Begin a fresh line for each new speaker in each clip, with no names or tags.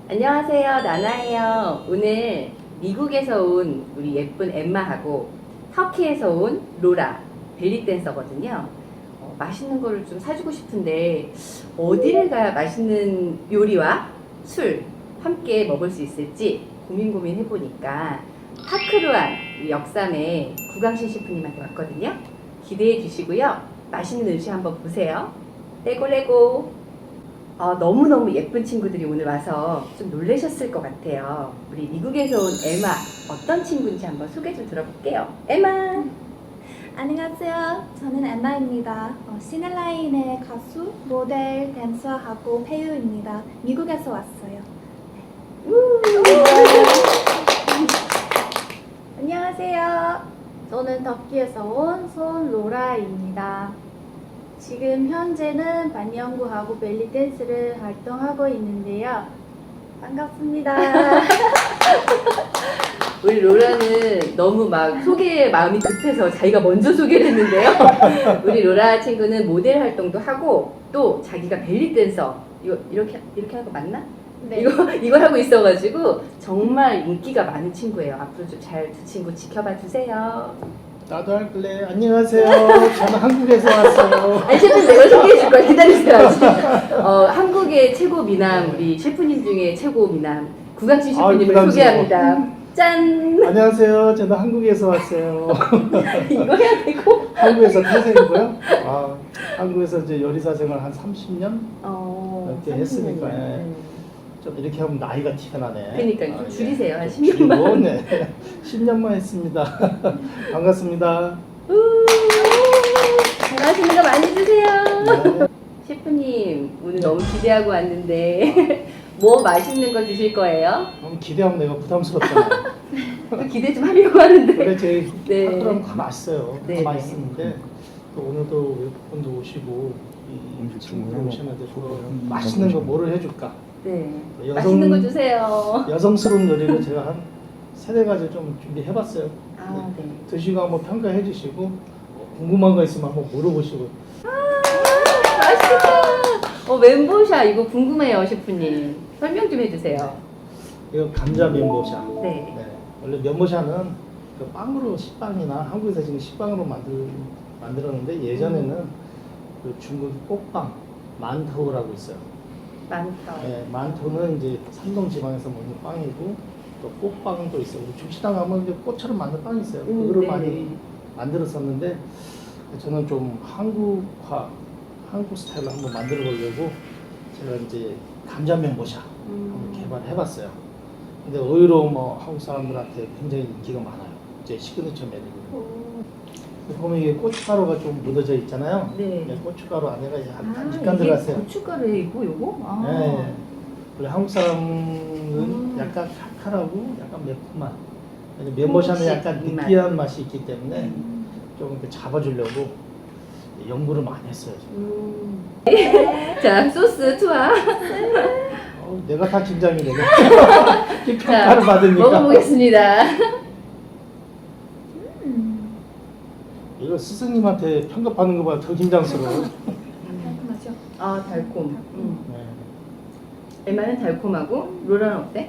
안녕하세요, 나나예요. 오늘 미국에서 온 우리 예쁜 엠마하고 터키에서 온 로라, 벨리 댄서거든요. 맛있는 거를 좀 사주고 싶은데 어디를 가야 맛있는 요리와 술 함께 먹을 수 있을지 고민 해보니까 파크루안 역삼의 구강신 셰프님한테 왔거든요. 기대해 주시고요. 맛있는 음식 한번 보세요. 레고. 너무너무 예쁜 친구들이 오늘 와서 좀 놀라셨을 것 같아요. 우리 미국에서 온 에마, 어떤 친구인지 한번 소개 좀 들어볼게요. 에마!
안녕하세요. 저는 엠마입니다. 시넬라인의 가수, 모델, 댄서하고 배우입니다. 미국에서 왔어요. 안녕하세요. 저는 터키에서 온 손로라입니다. 지금 현재는 반영구하고 벨리 댄스를 활동하고 있는데요. 반갑습니다.
우리 로라는 너무 막 소개에 마음이 급해서 자기가 먼저 소개를 했는데요. 우리 로라 친구는 모델 활동도 하고 또 자기가 벨리 댄서 이렇게 하는 거 맞나?
네.
이거 하고 있어가지고 정말 인기가 많은 친구예요. 앞으로 좀 잘 두 친구 지켜봐 주세요.
나도 할래. 안녕하세요. 저는 한국에서 왔어요.
아니 셰프님 내가 소개해 줄 거야. 기다리세요. 아직. 한국의 최고 미남 우리 셰프님 중에 최고 미남 구강신 셰프님을
부담스러워.
소개합니다. 짠.
안녕하세요. 저는 한국에서 왔어요.
이거 해야 되고.
한국에서 태생이고요. 한국에서 이제 요리사 생활 한 30년 이렇게 했으니까 좀 이렇게 하면 나이가 티가 나네.
그러니까 좀 줄이세요. 한
줄이고,
10년만.
네. 10년만 했습니다. 반갑습니다.
맛있는 거 많이 드세요.
네.
셰프님 오늘 너무 기대하고 왔는데 뭐 맛있는 거 드실 거예요?
너무 기대하면 내가 부담스럽잖아요.
또 기대 좀 하려고 하는데.
원래 제
네.
파크라면 다 맛있어요.
네,
다
네.
맛있었는데 또 오늘도 외국분도 오시고 이 친구들 오시는데 또 맛있는 거 뭐를 해줄까?
네.
여성-
맛있는 거 주세요.
여성스러운 요리를 제가 한 세네 가지 좀 준비해봤어요.
네.
드시고 한번 평가해 주시고 궁금한 거 있으면 한번 물어보시고.
맛있겠다. 멘보샤 이거 궁금해요, 셰프님. 설명 좀 해주세요.
이거 감자 면보샤.
네.
원래 면보샤는 그 빵으로 식빵이나 한국에서 지금 식빵으로 만들었는데 예전에는 그 중국 꽃빵 만터우라고 있어요.
많다.
네, 만토는 이제 산동 지방에서 먹는 빵이고 또 꽃빵도 있어요. 우리 중식당 가면 이제 꽃처럼 만든 빵이 있어요. 그거를
네.
많이 만들었었는데 저는 좀 한국 스타일로 한번 만들어 보려고 제가 이제 감자면보샤 한번 개발해봤어요. 근데 의외로 뭐 한국 사람들한테 굉장히 인기가 많아요. 제 시그니처 메뉴거든요. 보면 이게 고춧가루가 좀 묻어져 있잖아요.
네.
고춧가루 안에가 약간 들어갔어요.
고춧가루이고 요거?
네. 원래 한국 사람은 약간 칼칼하고 약간 매콤한. 면보샤는 약간
입맛.
느끼한 맛이 있기 때문에 좀 이렇게 잡아주려고 연구를 많이 했어요.
자, 소스 투하.
내가 다 긴장이 되네. 이
자,
평가를 받으니까.
먹어보겠습니다.
이거 스승님한테 평가받는 것보다 더 긴장스러워.
달콤하죠?
달콤.
네.
엠마는 달콤하고 로라는 어때?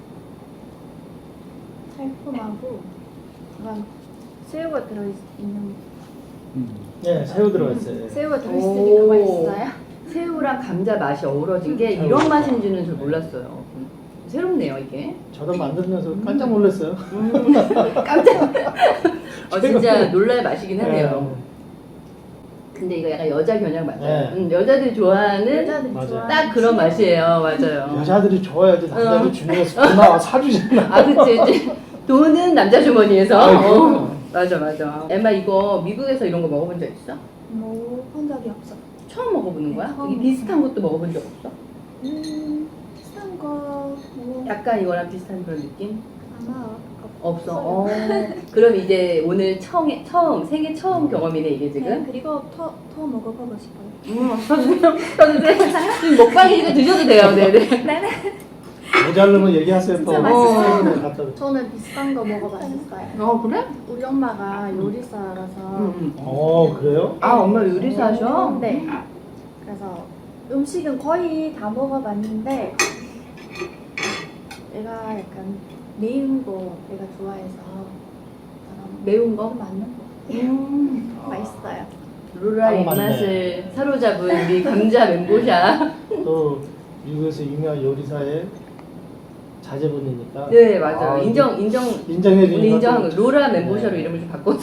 달콤하고 약간 새우가 들어있는
네, 새우 들어가 있어요.
새우가 들어있으니까 맛있어요?
새우랑 감자 맛이 어우러진 게
새우.
이런 맛인 줄은 잘 몰랐어요. 새롭네요, 이게.
저도 만들면서 깜짝 놀랐어요.
깜짝. 진짜 놀랄 맛이긴 하네요.
네.
근데 이거 약간 여자 겨냥 맞아요.
네.
여자들이 좋아하는
여자들이
맞아요.
좋아하는
딱 그런 맛이에요. 맞아요.
여자들이 좋아야지 남자들 주문해서 고마워 사주잖아.
그치. 돈은 남자 주머니에서.
그럼요.
맞아. 엠마 이거 미국에서 이런 거 먹어본 적 있어?
먹어본 적이 없어.
처음 먹어보는 거야?
처음.
이게 비슷한 것도 먹어본 적 없어?
비슷한 거 뭐,
약간 이거랑 비슷한 그런 느낌?
아마
없어. 그럼 이제 오늘 생애 처음 경험이네 이게
네,
지금.
그리고 더 먹어보고 싶어요.
저주세요. 지금 먹방이니까 드셔도 돼요. 네네.
모자르면 얘기하세요.
진짜
또.
맛있어요.
네, 갖다 줘.
저는 비슷한 거 먹어봤었어요.
그래?
우리 엄마가 요리사라서
그래요?
엄마 요리사셔?
네. 그래서 음식은 거의 다 먹어봤는데 내가 약간 매운 거 내가 좋아해서
매운 거?
맞는 거 맛있어요.
로라
딱
입맛을 사로잡은 우리 감자 멘보샤.
또 미국에서 유명한 요리사의 자제분이니까.
네, 맞아요.
아,
오늘
인정해 주니까
인정한 거. 로라 멘보샤로
네.
이름을 좀 바꿔서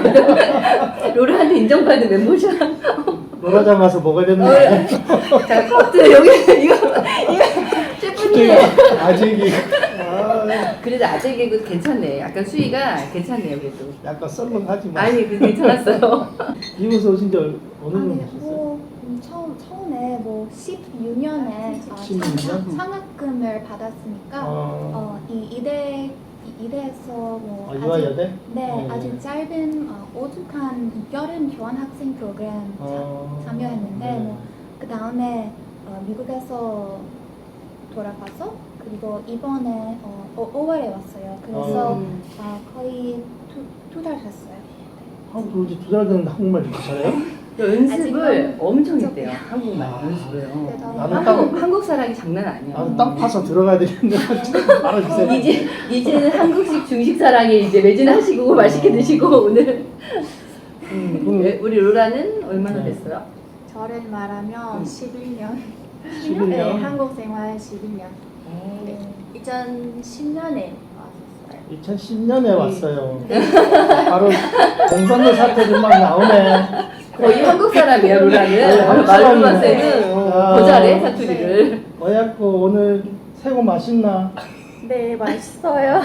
로라한테 인정받은 멘보샤.
로라장 가서 먹어야 되는 거 아니야?
자, 커트 여기 이거 셰프님.
아직이
그래도 아재 개그 괜찮네. 약간 수위가 괜찮네요, 그래도.
약간 썰렁하지만.
아니, 그 괜찮았어요.
미국에서 오신 지 어느 정도
아니
되셨어요?
뭐 처음에 뭐 16년에
16년?
장학금을 받았으니까 이대에서 뭐
유아여대?
네 아주 짧은 오죽한 여름 교환학생 프로그램 참여했는데
네.
뭐 그 다음에 미국에서 돌아가서 그리고 이번에 5월에 왔어요. 그래서 거의 두 달 됐어요.
한국 들어온 지 2달 됐는데 한국말 이렇게 잘해요?
연습을
아직은
엄청 했대요. 한국말
아,
연습을요.
나는
한국 사람이 장난 아니에요.
나는 땅 파서 들어가야 되겠는데 알아주세요.
이제는 한국식 중식 사랑에 이제 매진하시고 맛있게 드시고 오늘 우리 로라는 얼마나
네.
됐어요?
저를 말하면 11년.
11년?
네, 한국 생활 11년. 네. 2010년에 왔었어요.
2010년에 왔어요. 바로 공산도 사태들 막 나오네.
거의 한국 사람이야 로라는.
한국
말로만
사람이네.
세는
아.
더 잘해 사투리를.
어야코 오늘 새우 맛있나?
네, 맛있어요.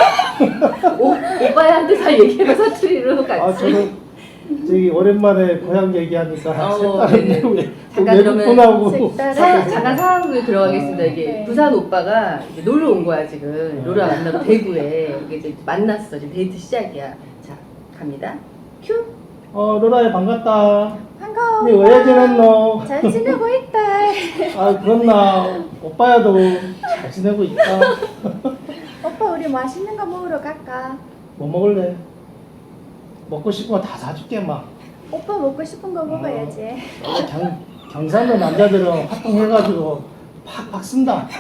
오빠한테 잘 얘기해봐 사투리로 같이.
아 저도 저기 오랜만에 고향 얘기하니까 색다른
네네.
내용에
잠깐
외국분하고
색다른
잠깐 상황극에 들어가겠습니다. 이게
네.
부산 오빠가 이제 놀러 온 거야 지금. 로라 만나러 대구에. 이게 이제 만났어. 지금 데이트 시작이야. 자 갑니다. 큐.
로라야 반갑다.
반가워.
니 왜 지냈노?
잘 지내고 있다.
아 그렇나 오빠야도 잘 지내고 있다.
오빠 우리 맛있는 거 먹으러 갈까?
뭐 먹을래? 먹고 싶은 거 다 사줄게 막.
오빠 먹고 싶은 거 먹어야지.
경상도 남자들은 활동해가지고 팍팍 쓴다.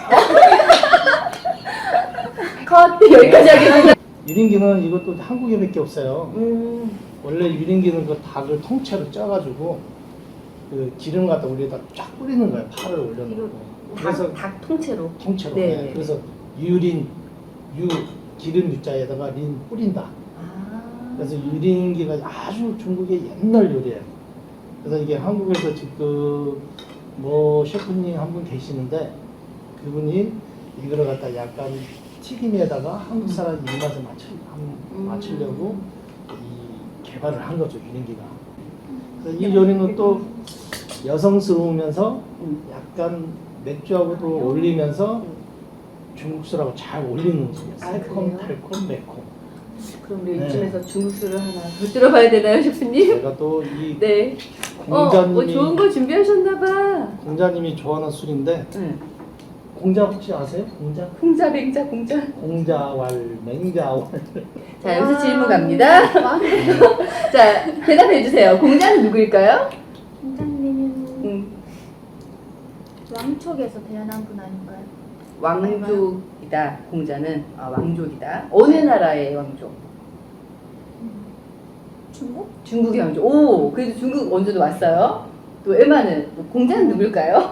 컷 여기까지 하겠습니다.
유린기는 이것도 한국에밖에 없어요. 원래 유린기는 그 닭을 통째로 쪄가지고 그 기름 갖다 우리에다 쫙 뿌리는 거예요. 파를 올려놓고. 그래서
닭 통째로.
통째로.
네.
네. 그래서 유린 기름 유자에다가 린 뿌린다. 그래서 유린기가 아주 중국의 옛날 요리예요. 그래서 이게 한국에서 지금 뭐 셰프님 한 분 계시는데 그분이 이거를 갖다 약간 튀김에다가 한국 사람 입맛에 맞추려고 이 개발을 한 거죠, 유린기가. 그래서 이 요리는 또 여성스러우면서 약간 맥주하고도 어울리면서 중국술하고 잘 어울리는 음식이에요. 새콤, 달콤, 매콤.
그럼 우리
네.
이쯤에서 중국술을 하나 더 들어봐야 되나요, 셰프님?
제가 또 이
네.
공자님이
좋은 거 준비하셨나봐.
공자님이 좋아하는 술인데
응.
공자 혹시 아세요? 공자?
공자, 맹자, 공자.
공자왈, 맹자왈.
자, 여기서 질문 갑니다. 자, 대답해 주세요. 공자는 누구일까요?
공장님은 왕족에서 태어난 분 아닌가요?
왕족이다. 공자는 왕족이다. 어느 나라의 왕족?
중국?
중국의 왕족. 오, 그래도 중국 원조도 왔어요. 또 에마는 공자는 누굴까요?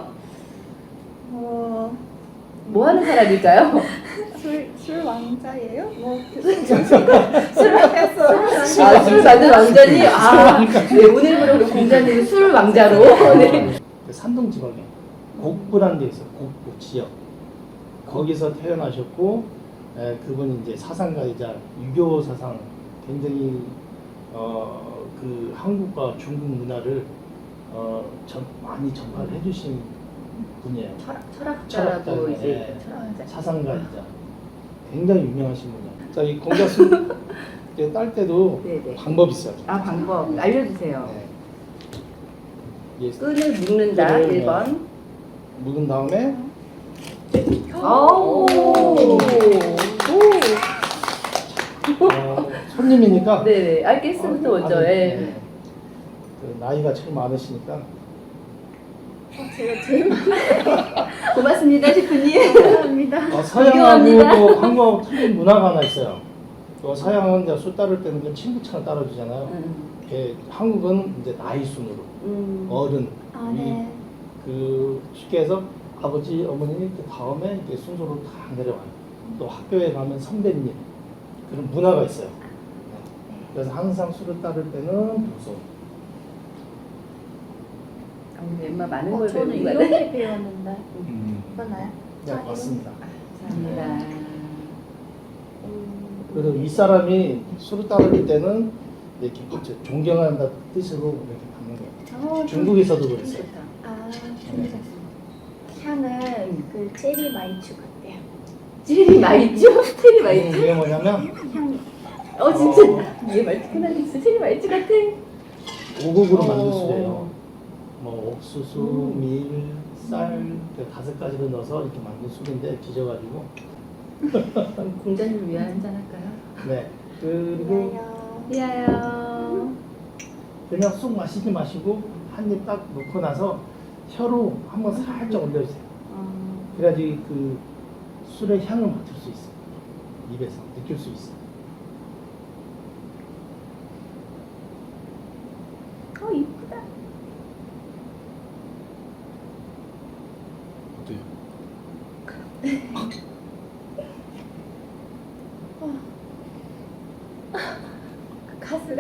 뭐 하는 사람일까요?
술 왕자예요? 뭐
술 만든 왕자니? 네, 오늘부로 우리 공자님은 술 왕자로. 네.
산동 지방에 곡부라는 데 있어요. 곡부 지역. 거기서 태어나셨고 그분이 이제 사상가이자 유교 사상 굉장히 그 한국과 중국 문화를 많이 전파를 해주신 분이에요.
철학자라고 이제
네.
철학자.
사상가이자 굉장히 유명하신 분이에요. 자, 이 공자술 딸 때도
네네.
방법이 있어요.
방법 알려주세요.
예,
끈을 묶는다.
끈을,
1번.
묵은 다음에
오.
손님이니까
네네. 알겠습니다. 먼저. 예.
그 나이가 제일 많으시니까
제가 제일
고맙습니다, 셰프님.
감사합니다.
서양하고
존경합니다.
또 한국하고 틀린 문화가 하나 있어요. 또 서양은 이제 술 따를 때는 그 친구처럼 따라주잖아요. 한국은 이제 나이 순으로 어른
아, 네.
그 쉽게 해서 아버지 어머니 그 다음에 이제 순서로 다 내려와요. 또 학교에 가면 선배님 그런 문화가 있어요. 그래서 항상 술을 따를 때는 무서워.
오늘 엠마 많은 걸
저는
배우는 거네.
이렇게 배웠는데 맞나요?
네, 맞습니다.
감사합니다.
그래서 윗사람이 술을 따를 때는 이렇게 존경한다 뜻으로 이렇게 받는 거예요. 중국에서도 그랬어요.
좋다.
아, 향은 그 체리 마이쮸 같아요.
체리 마이쮸? 체리 마이쮸?
이게 뭐냐면
향이.
진짜 얘 말투 끝나겠어. 체리 마이쮸 같아.
5곡으로 만든 술이에요. 뭐 옥수수, 밀, 쌀, 그 5가지를 넣어서 이렇게 만든 술인데 빚어가지고.
공자님 위한 한잔 할까요?
네. 그리고
미아요.
그냥 쑥 마시지 마시고 한 입 딱 놓고 나서 혀로 한번 살짝 올려주세요. 그래야지 그 술의 향을 맡을 수 있어요. 입에서 느낄 수 있어요.
이쁘다. 가스가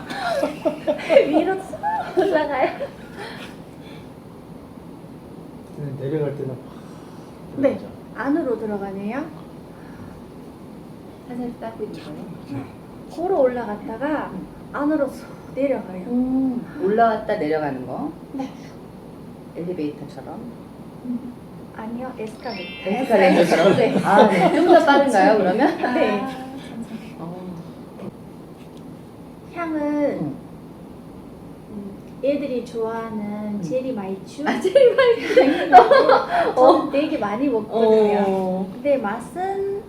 위로 쑥 올라가요.
내려갈 때는
네, 안으로 들어가네요.
살살 따고 있는 거네.
걸어 올라갔다가 안으로 쑥 내려가요.
올라왔다 내려가는 거.
네.
엘리베이터처럼.
아니요, 에스카레이터.
에스카레이터처럼.
네.
아, 네. 좀 더 빠른가요, 그러면?
네. 향은 애들이 좋아하는 체리 마이쮸.
체리 마이쮸.
저는 되게 많이 먹거든요. 근데 맛은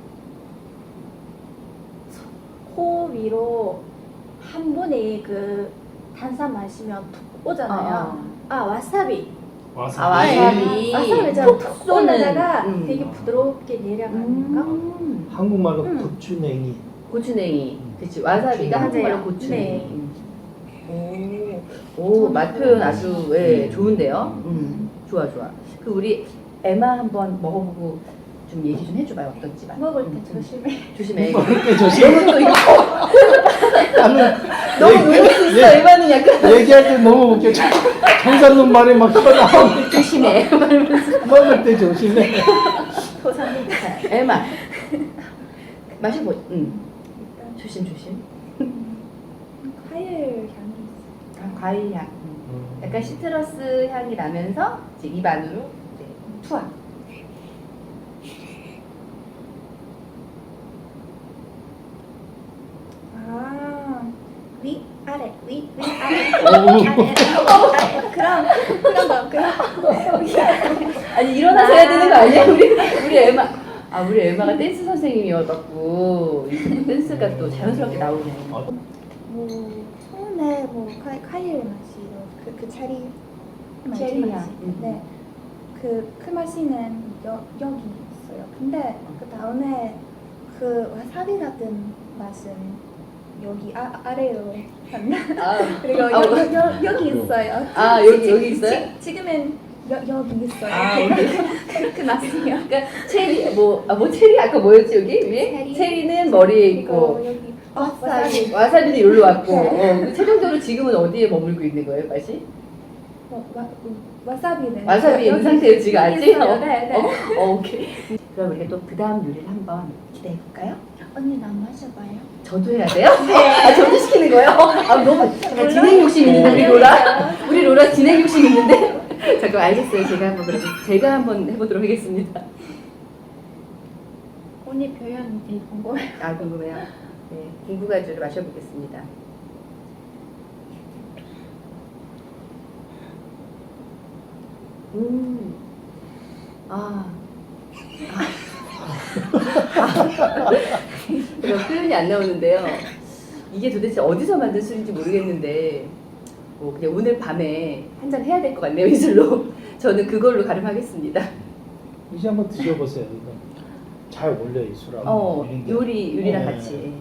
코 위로 한 번에 그 탄산 마시면 툭 오잖아요. 와사비.
와사비.
와사비처럼
톡
툭
쏘는.
올라다가 되게 부드럽게 내려가는 거.
한국말로 고추냉이.
고추냉이. 그치. 와사비가
맞아요.
한국말로 고추냉이.
네.
맛 표현 아주 좋은데요. 좋아. 그 우리 에마 한번 먹어보고 좀 얘기 좀 해줘봐요. 어떤지.
먹을 때 조심해.
조심해.
먹을 때 조심.
너무 또 이거
나는
너무 놀랄 수 있어. 에마는 약간
얘기할 때 너무 웃겨. 정산놈 말이 막 튀어나오니까
조심해. 말면서.
먹을 때 조심해.
감사합니다.
에마 마셔보. 조심.
과일 향이 있어요.
과일 향. 약간 시트러스 향이 나면서 이제 입 안으로 이제 투하.
위 아래 위 아래 그런 거
아니 일어나서 해야 되는 거 아니야? 우리 에마가 댄스 선생님이어갖고 이 댄스가 또 자연스럽게 나오네.
뭐 처음에 뭐 과일 맛이 그 체리
체리
맛이
향.
네. 그 맛이는 여기 있어요. 근데 그 다음에 그 와사비 같은 맛은 여기 아래로 갔나? 그리고 여기 있어요.
여기 있어요?
지금은 여기 있어요.
여기.
그 맛이요.
그러니까 체리 뭐 체리 아까 뭐였지 여기 위에? 체리는 머리에 있고
그리고 여기 와사비.
와사비는 여기로 왔고 그 최종적으로 지금은 어디에 머물고 있는 거예요, 맛이?
와사비는
와사비 있는 상태예요 지금 아직?
있어요. 네.
오케이. 그럼 우리가 또 그 다음 요리를 한번 기대해 볼까요?
언니 나 마셔봐요.
저도 해야 돼요? 저도 시키는 거예요? 너무 잠깐 진행 욕심 있는데 우리 로라 진행 욕심 있는데 잠깐 알겠어요. 제가 한번 해보도록 하겠습니다.
언니 표현 되게 궁금해요.
궁금해요. 네, 궁금가주를 마셔보겠습니다. 이거 표현이 안 나오는데요. 이게 도대체 어디서 만든 술인지 모르겠는데 뭐 그냥 오늘 밤에 한잔 해야 될 것 같네요, 이 술로. 저는 그걸로 가름하겠습니다.
이제 한번 드셔보세요. 이거. 잘 어울려 이 술하고. 이런 게.
요리랑
네.
같이.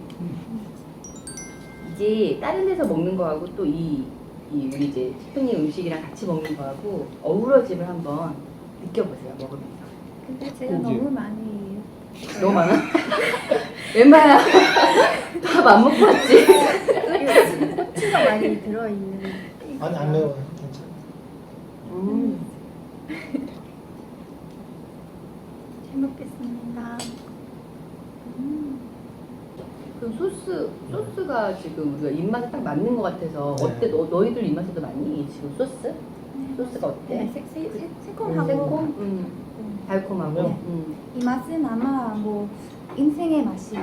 이게 다른 데서 먹는 거하고 또 이 우리 이제 셰프님 음식이랑 같이 먹는 거하고 어우러짐을 한번 느껴보세요. 먹으면서.
근데 제가
그지?
너무 많이
너무 많아? 웬만야 밥 안 먹고 왔지?
고추가 많이 들어있는.
아니 안 매워. 괜찮아.
잘 먹겠습니다.
그럼 소스가 지금 우리가 입맛에 딱 맞는 것 같아서
네.
어때? 너희들 입맛에도 맞니? 지금 소스? 소스가 어때?
네, 새콤하고
새콤? 달콤하고?
네.
이 맛은 아마 뭐 인생의 맛이.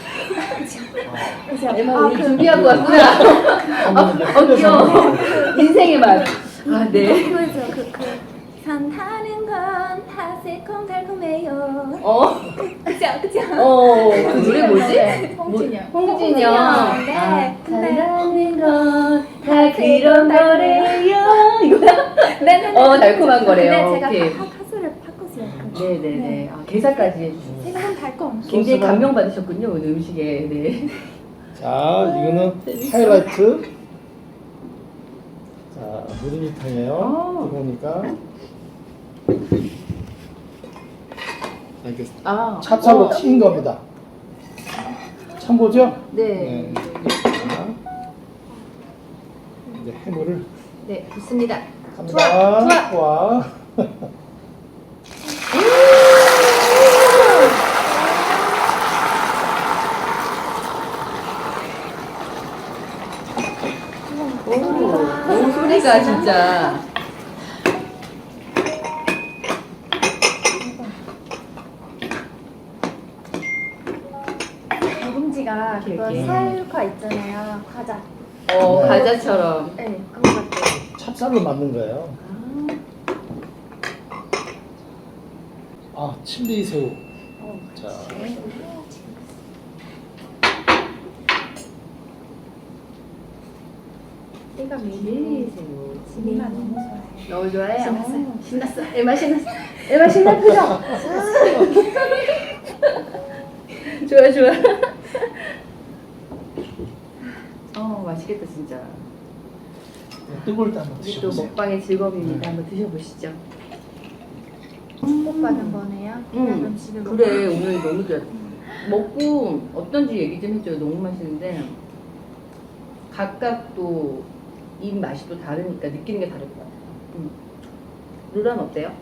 그죠?
엠마 우리
그-
준비하고 왔구나. 귀여워. 인생의 맛. 아, 네.
그죠? 산타는 건 다 새콤달콤해요. 그죠?
그 노래 뭐지?
홍진영.
홍진영.
네.
아,
근데
사랑하는 건 다 그런 거래요. 이거야?
네네네.
달콤한 거래요.
네, 제가
오케이.
가수를 바꿨어요.
네네네. 아, 개사까지 해주세요.
새콤 달콤.
굉장히
소스가-
감명받으셨군요, 오늘 음식에. 네.
자, 이거는 하이라이트. 자, 누룽지탕이에요. 보니까 이렇게 찹쌀로 튀긴 겁니다. 참고죠?
네.
자, 이제 해물을
네, 좋습니다.
갑니다. 와.
오, 소리가 진짜.
묵은지가 그거
이렇게.
살과 있잖아요. 과자.
네.
과자처럼.
네, 그거 같아요.
찹쌀로 만든 거예요. 아, 칠리 새우. 자,
내가
밀리세요.
지미가 너무 좋아해요.
너무 좋아해?
신났어요.
신났어. 에마 신났어. 에마 신났죠? 좋아, 좋아. 맛있겠다, 진짜.
뜨거울 때 한번
우리 또
드셔보세요.
먹방의 즐거움입니다.
네.
한번 드셔보시죠.
축복받은 거네요. 그냥 음식을
그래, 오늘 너무 좋아. 먹고 어떤지 얘기 좀 해줘요. 너무 맛있는데 각각 또 입 맛이 또 다르니까 느끼는 게 다를 것 같아요. 루라는 어때요?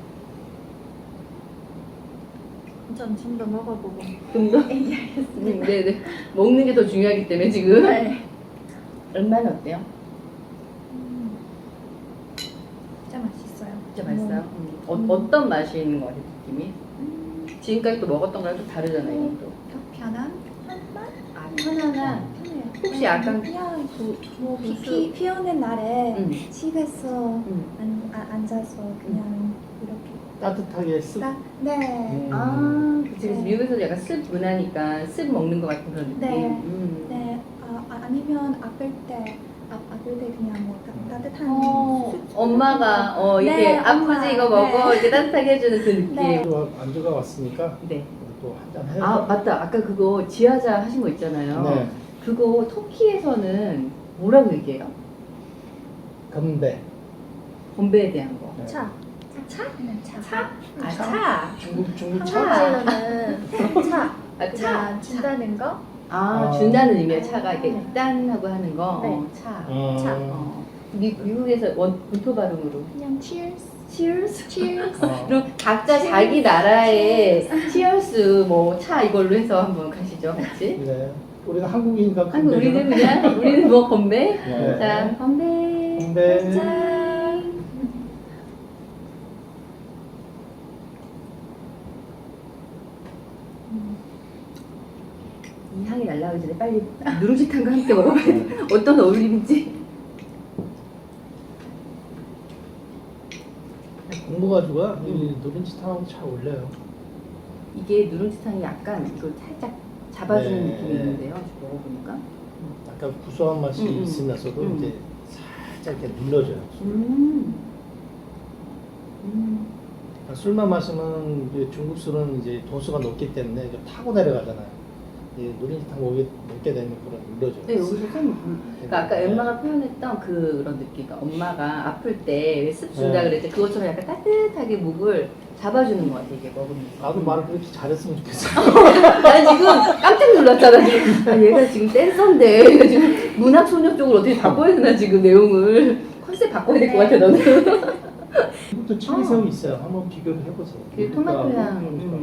전좀 더 먹어보고.
좀 더? 네네. 먹는 게 더 중요하기 때문에 지금.
네.
얼마나 어때요?
진짜 맛있어요.
진짜 맛있어요? 어떤 맛이 있는 것 같아요, 느낌이? 지금까지 또 먹었던 거랑 좀 다르잖아요, 이것도.
더 편한 맛?
아, 편안한.
편해요.
혹시 약간
그냥
뭐
비 오는 날에
음.
집에서 앉아서 그냥 이렇게
따뜻하게 쓱.
네.
그치, 그치. 미국에서도 약간 습 문화니까 습 먹는 것 같은 그런 느낌.
네. 네. 아니면 아플 때 그냥 뭐 따뜻한 숲.
엄마가 이렇게
네,
아프지
엄마.
이거 먹어
네.
이렇게 따뜻하게 해주는 그 느낌.
네.
안주가 왔으니까
네.
또 한잔 해요.
아 맞다. 아까 그거 지하자 하신 거 있잖아요.
네.
그거 터키에서는 뭐라고 얘기해요?
건배.
건배에 대한 거.
네.
차. 차? 차.
차? 아
차?
차.
중국 차.
한국에서는 차.
아,
그냥 준다는 거.
준다는 의미의 차가 이렇게
네.
짠하고 하는 거.
네.
차.
차.
미국에서 본토 발음으로.
그냥 cheers.
Cheers.
cheers.
그럼 각자 자기 나라의 치얼스 뭐 차 이걸로 해서 한번 가시죠, 같이.
네. 우리가 한국이니까
한국
건배죠.
우리는 그냥 우리는 뭐 건배.
네.
자, 건배.
건배.
짠. 이 향이 날라오기 전에 빨리 누룽지탕과 함께 먹어봐야 돼. 어떤 어울림인지.
공부가지고요. 이 누룽지탕하고 잘 어울려요.
이게 누룽지탕이 약간 이걸 살짝 잡아주는
네.
느낌이 있는데요. 지금 먹어보니까.
약간 구수한 맛이 있으면서도 이제 살짝 이렇게 눌러줘요. 술만 마시면 이제 중국 술은 이제 도수가 높기 때문에 좀 타고 내려가잖아요. 이 누린지 타고 먹게 되면 그런 눌러줘요.
네, 여기서 좀 그러니까 아까 엠마가 표현했던 그런 느낌. 그러니까 엄마가 아플 때 습 준다
네.
그랬지. 그것처럼 약간 따뜻하게 목을 잡아주는 것 같아 이게 먹으면서.
나도 말을 그렇게 잘했으면 좋겠어.
난 지금 깜짝 놀랐잖아 지금. 아, 얘가 지금 댄서인데 얘가 지금 문학 소녀 쪽으로 어떻게 바꿔야 되나 지금 내용을 컨셉 바꿔야 될 것 같아 너는.
이것도 칠리새우 있어요. 한번 비교를 해보세요.
그 토마토 향.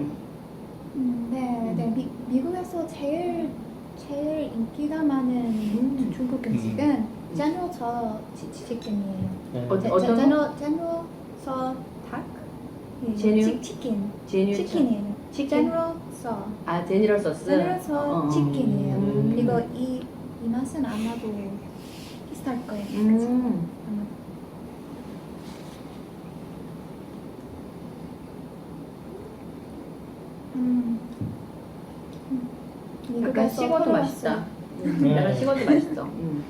네. 미국에서 제일 인기가 많은 중국 음식은 제노서 치킨이에요.
네.
어떤
제노서 닭?
제뉴?
치킨.
제뉴
치킨이에요.
치킨?
제노서.
아 제니럴 소스.
제노서 치킨이에요.
음.
이거 이 맛은 아마도 비슷할 거예요. 그치? 아마.
약간
미국에서
식어도
털어왔어요.
맛있다.
네.
약간 식어도 맛있어.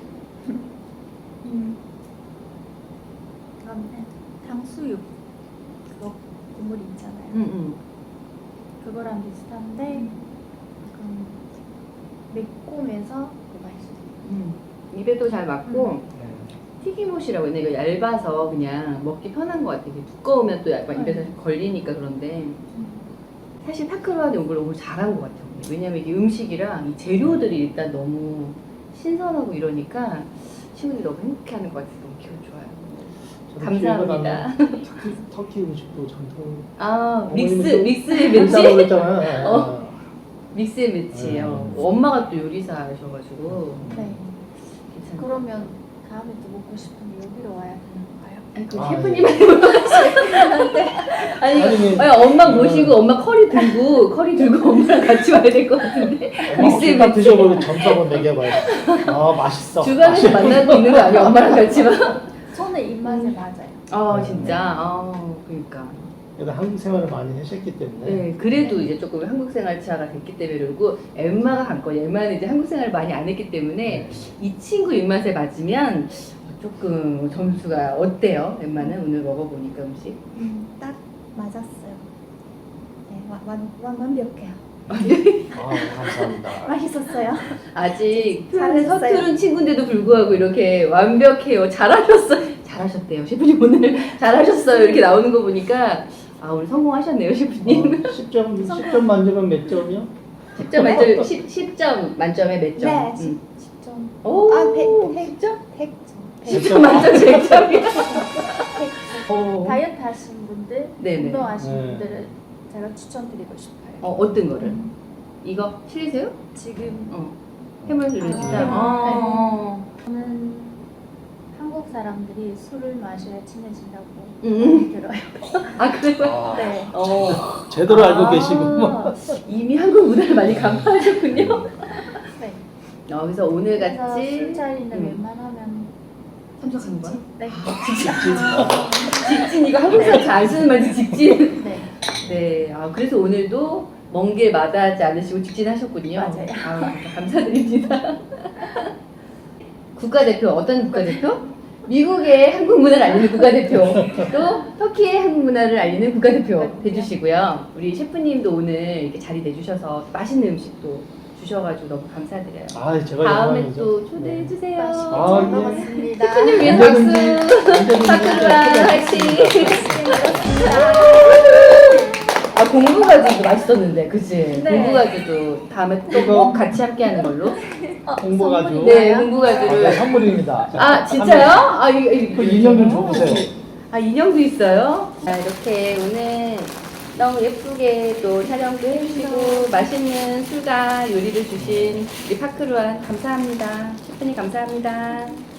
그다음에 탕수육 그거 국물 있잖아요. 그거랑 비슷한데 약간 매콤해서 더 맛있어요.
입에도 잘 맞고 튀김옷이라고 했네. 이거 얇아서 그냥 먹기 편한 것 같아. 이게 두꺼우면 또 약간 입에서 걸리니까 그런데 사실 파크로한테 온 걸 너무 잘한 것 같아요. 왜냐면 이게 음식이랑 이 재료들이 일단 너무 신선하고 이러니까 친구들이 너무 행복해하는 것 같아서 너무 기분 좋아요. 감사합니다.
터키 음식도 전통.
아
어머님은
믹스의
된다고
매치.
그랬잖아요.
믹스의 매치예요. 엄마가 또 요리사셔가지고
네.
괜찮아요.
그러면 다음에 또 먹고 싶으면 여기로 와요.
아니 그
아,
셰프님한테 물어보시는데 아니
아니,
엄마 모시고 엄마 커리 들고 엄마랑 같이 와야 될 것 같은데 믹스의
딱
매치
드셔보고 점수 한번 매겨봐요. 아 맛있어.
주변에서 만나고 있는 거 아니야 엄마랑 같이만
저는 입맛에 맞아요.
아 진짜 그러니까
그래도 한국 생활을 많이 하셨기 때문에.
네 그래도 이제 조금 한국 생활차가 됐기 때문에 그리고 엠마가 관건이 엠마는 이제 한국 생활을 많이 안 했기 때문에 이 친구 입맛에 맞으면 조금 점수가 어때요? 엠마는 오늘 먹어보니까 음식
딱 맞았어요. 네, 완벽해요.
아 감사합니다.
맛있었어요.
아직 표현에
잘하셨어요.
서투른 친구인데도 불구하고 이렇게 완벽해요. 잘하셨대요. 셰프님 오늘 잘하셨어요. 이렇게 나오는 거 보니까 아 오늘 성공하셨네요, 셰프님.
10점 만점은 몇 점이요?
10점 만점에 몇 점?
네, 10점.
오,
100점?
10점 만점 100점이야.
다이어트 하신 분들,
네네.
운동하신
네.
분들은 제가 추천드리고 싶어요.
어떤 거를? 이거 실리세요?
지금
해물 누르지다.
아, 저는 한국 사람들이 술을 마셔야 친해진다고 들어요.
아 그래요?
네.
제대로 알고 계시고.
이미 한국 문화를 많이 간파하셨군요.
네.
그래서 오늘
그래서
같이
술자리는 웬만하면
참석하는 거야?
네.
직진 이거 한국 사람 잘 쓰는 말이지 직진.
네.
네. 그래서 오늘도 먼 길 마다하지 않으시고 직진하셨군요.
맞아요.
감사드립니다. 국가대표 어떤 국가대표? 미국의 한국 문화를 알리는 국가대표, 또 터키의 한국 문화를 알리는 국가대표 해주시고요. 우리 셰프님도 오늘 이렇게 자리 내주셔서 맛있는 음식도 주셔가지고 너무 감사드려요.
제가
다음에
영광이죠.
또 초대해 주세요.
아, 예.
먹었습니다.
셰프님 위해 박수. 파크루아 화이팅. 공부가지도 맛있었는데, 그치?
네.
공부가지도 다음에 또
이거-
꼭 같이 함께하는 걸로.
공부가지고.
네, 공부가지를.
선물입니다.
진짜요? 이거
그 인형 좀 줘보세요.
인형도 있어요? 이렇게 오늘 너무 예쁘게 또 촬영도 해주시고 맛있는 술과 요리를 주신 우리 파크루안 감사합니다. 셰프님 감사합니다.